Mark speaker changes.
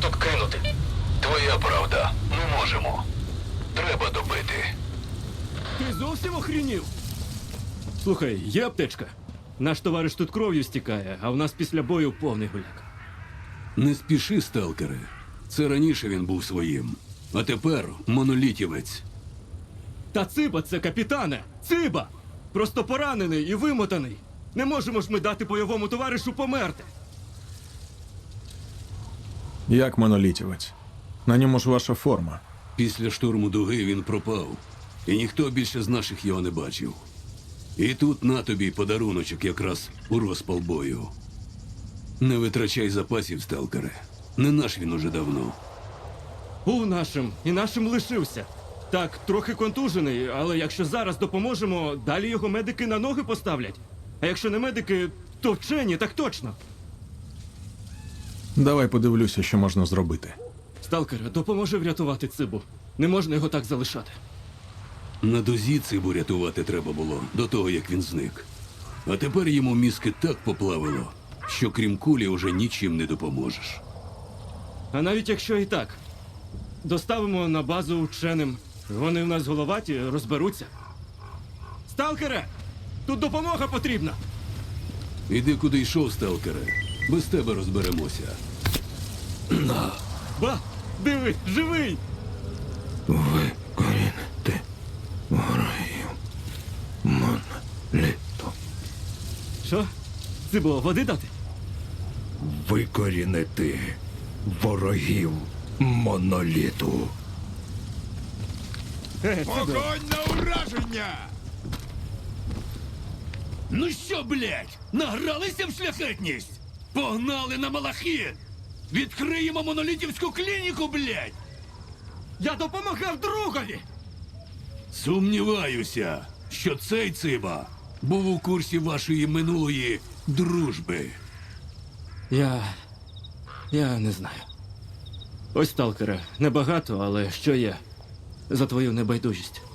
Speaker 1: тут кинути.
Speaker 2: Твоя правда. Не можемо. Треба добити.
Speaker 3: Ти зовсім охренів? Слухай, є аптечка. Наш товариш тут кров'ю стікає, а в нас після бою повний гуляк.
Speaker 4: Не спіши, сталкере. Це раніше він був своїм. А тепер монолітівець.
Speaker 3: Та Циба це капітане! Циба! Просто поранений і вимотаний. Не можемо ж ми дати бойовому товаришу померти.
Speaker 5: Як монолітівець? На ньому ж ваша форма.
Speaker 4: Після штурму дуги він пропав. І ніхто більше з наших його не бачив. І тут на тобі подаруночок якраз у розпал бою. Не витрачай запасів, сталкере. Не наш він уже давно.
Speaker 3: Був нашим і нашим лишився. Так, трохи контужений, але якщо зараз допоможемо, далі його медики на ноги поставлять. А якщо не медики, то вчені, так точно.
Speaker 5: Давай подивлюся, що можна зробити.
Speaker 3: Сталкере, допоможи врятувати Цибу. Не можна його так залишати.
Speaker 4: На дозі Цибу рятувати треба було до того, як він зник. А тепер йому мізки так поплавило, що крім кулі уже нічим не допоможеш.
Speaker 3: А навіть якщо і так, доставимо на базу вченим. Вони в нас головаті, розберуться. Сталкере! Тут допомога потрібна!
Speaker 4: Іди куди йшов, сталкере. Без тебе розберемося.
Speaker 3: Ба! Диви, живий!
Speaker 2: Викорінити ворогів. Моноліту.
Speaker 3: Що? Цибо, води дати?
Speaker 2: Викорінити ворогів моноліту.
Speaker 3: Цибо,
Speaker 6: Огонь на ураження!
Speaker 7: Ну що, блядь, награлися в шляхетність? Погнали на Малахіт! Відкриємо монолітівську клініку, блядь!
Speaker 3: я допомагав другові!
Speaker 4: Сумніваюся, що цей Циба був у курсі вашої минулої дружби.
Speaker 3: Я не знаю. Ось, сталкере, небагато, але що є? За твою небайдужість.